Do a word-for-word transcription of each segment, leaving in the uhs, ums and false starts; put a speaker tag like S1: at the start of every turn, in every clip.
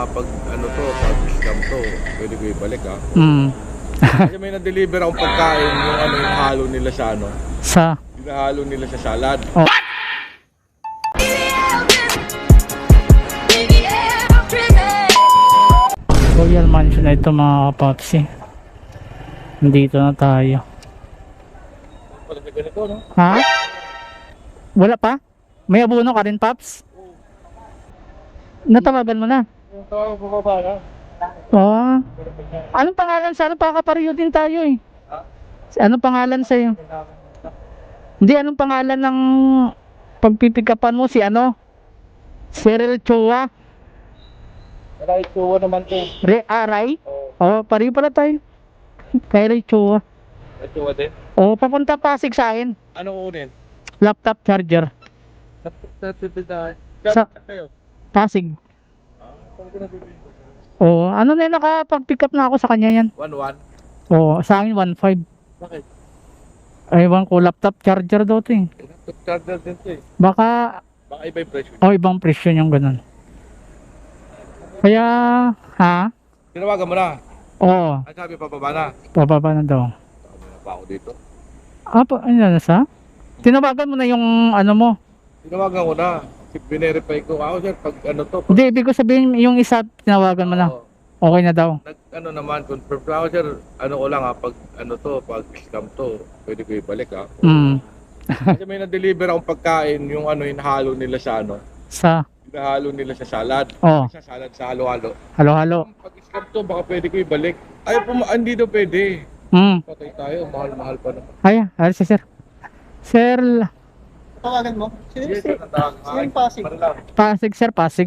S1: ah, pag ano to, pag scam to, pwede ko ibalik ha.
S2: Mm.
S1: Kasi may na-deliver akong pagkain, yung ano, yung halo nila sa ano,
S2: Sa
S1: hinahalo nila sa salad.
S2: oh. Royal Mansion na ito mga kapapsi. Nandito na tayo.
S1: Pag may ganito, no?
S2: Ha? Wala pa? May abono ka rin, Paps? Natawagan mo na?
S1: Yung tawag ko ba na?
S2: Oo. Anong pangalan sa ano? Pakapareho din tayo eh. Anong pangalan sa'yo? Hindi, anong pangalan ng pagpipikapan mo? Si ano? Cyril Chua?
S1: Right, tuwa naman to.
S2: Re Aray?
S1: Oo,
S2: Oo, oh, pareho pala tayo. Cyril Chua.
S1: right, tuwa din.
S2: Oo, oh, papunta Pasig sa akin.
S1: Ano kunin?
S2: Laptop charger.
S1: Natipid
S2: Sa
S1: kayo.
S2: Pasig.
S1: Ah, saan ko nabibili?
S2: Oo, ano na yun, nakapag-pick up na ako sa kanya yan.
S1: one one?
S2: Oo, sa akin one five.
S1: Bakit?
S2: Ewan ko, laptop charger daw to eh.
S1: Laptop charger din to eh.
S2: Baka,
S1: Baka iba yung presyo.
S2: o oh, ibang presyo yung ganun. Kaya, ha?
S1: Tinawagan mo na.
S2: Oo,
S1: Ang sabi pababa na.
S2: pababa na daw.
S1: Tama na pa ako dito.
S2: Ah, pa, ano na sa? Tinawagan mo na yung ano mo.
S1: Tinawagan ko na. Binerify ko. Ako sir, pag ano to. Pag,
S2: Hindi, ibig ko sabihin yung isa, tinawagan mo na.
S1: Oo.
S2: Okay na daw.
S1: Nag ano naman, confirm ako sir. Ano ko lang ha, pag ano to, pag scam to, pwede ko ibalik ha.
S2: Mm.
S1: Kasi may na-deliver akong pagkain, yung ano, hinahalo nila sa ano.
S2: Sa,
S1: Hinahalo nila sa salad.
S2: oh,
S1: Sa salad sa halo-halo.
S2: halo-halo.
S1: Pag scam to, baka pwede ko ibalik. Ay, puma, hindi daw pwede.
S2: Mm.
S1: Patay tayo, mahal-mahal pa naman.
S2: Ay, ay, si sir. Sir,
S3: Tawagan mo? Sino
S1: Yes, sir, natawag.
S3: Sino yung Pasig?
S1: Marilaw.
S2: Pasig sir, Pasig.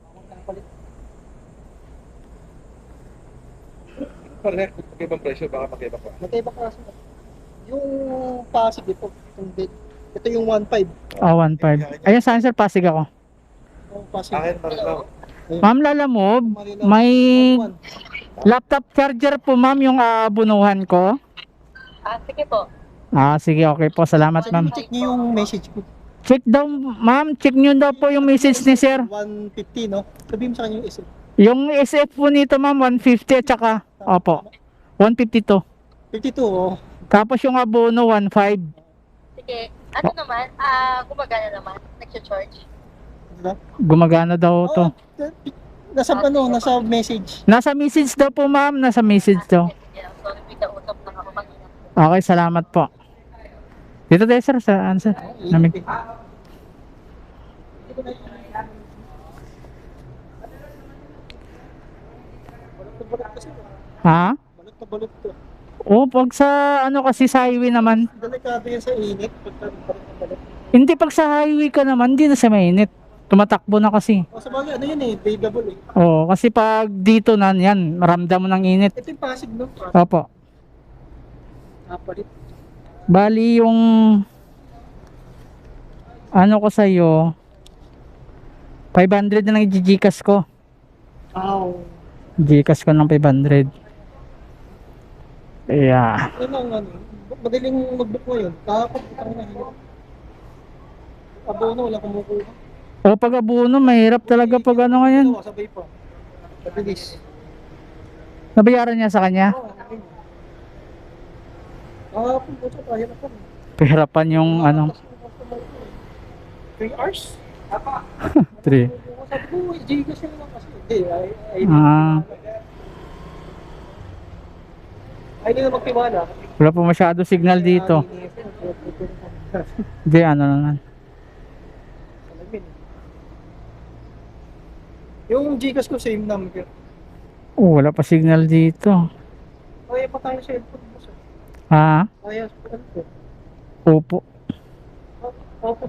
S1: Pareho, kung magkaibang presyo, baka magkaiba pa.
S3: Magkaiba klase. Yung Pasig ito, yung bid. Ito yung one five.
S2: Ah, one five. Ayun, saan sir, Pasig ako.
S3: Yung Pasig.
S1: Akin, Marilaw.
S2: Ma'am Lalamob, may laptop charger po ma'am yung aabunuhan ko.
S4: Ah, sige po.
S2: Ah, sige, okay po. Salamat ma'am.
S3: Check niyo yung message ko.
S2: Check daw, ma'am. Check nyo daw po yung message ni sir.
S3: one fifty, no? Sabihin mo sa kanya yung isip.
S2: Yung S F po nito ma'am, one fifty at saka, opo, one fifty-two.
S3: fifty-two, oh.
S2: Tapos yung abono, one five.
S4: Sige. Ano naman? Ah, gumagana naman. Nag-charge.
S3: Diba?
S2: Gumagana daw to.
S3: Oh, nasa ano, nasa message.
S2: Nasa message daw po ma'am, nasa message daw.
S4: Yeah, sorry, may kausap lang ako kanina.
S2: Okay, salamat po. Dito tayo sir, sa ano sir? Namig.
S3: Balot na balot kasi.
S2: Ha?
S3: Balot na balot to.
S2: O, pag sa ano kasi sa highway naman.
S3: Delikado yan sa init. Pagka balot na balot.
S2: Hindi, pag sa highway ka naman, hindi na sa mainit. Tumatakbo na kasi.
S3: O sa bagay, ano yun eh, breathable eh.
S2: Oo, kasi pag dito na yan, maramdam mo ng init.
S3: Ito yung Pasig, no? Pasig.
S2: Opo.
S3: Napalit.
S2: Bali yung ano ko sa'yo, five hundred na lang i-Gcash ko.
S3: Ow.
S2: Gcash ko ng five hundred. Yeah.
S3: Ano ang ano, madaling mag-book mo yun. Kahapon, itang nahirap. Abono, wala kumukuha.
S2: O pag abuno, mahirap talaga pag ano ngayon.
S3: Dalawa, sabay pa. Mabilis.
S2: Nabayaran niya sa kanya.
S3: Oo, okay. Kahapon po siya, kahirap pa.
S2: Pahirapan yung ano.
S3: three hours?
S2: Three.
S3: Sabi ko, Gcash yun lang kasi. Hindi, ay, ay,
S2: Ah.
S3: ay, hindi na magtiwala.
S2: Wala po masyado signal dito. Hindi, ano naman.
S3: Yung Gcash ko, same number.
S2: Oh, wala pa signal dito.
S3: Kaya pa tayo sa cellphone mo, sir.
S2: Ha?
S3: Kaya sa ano po?
S2: Opo.
S3: Opo.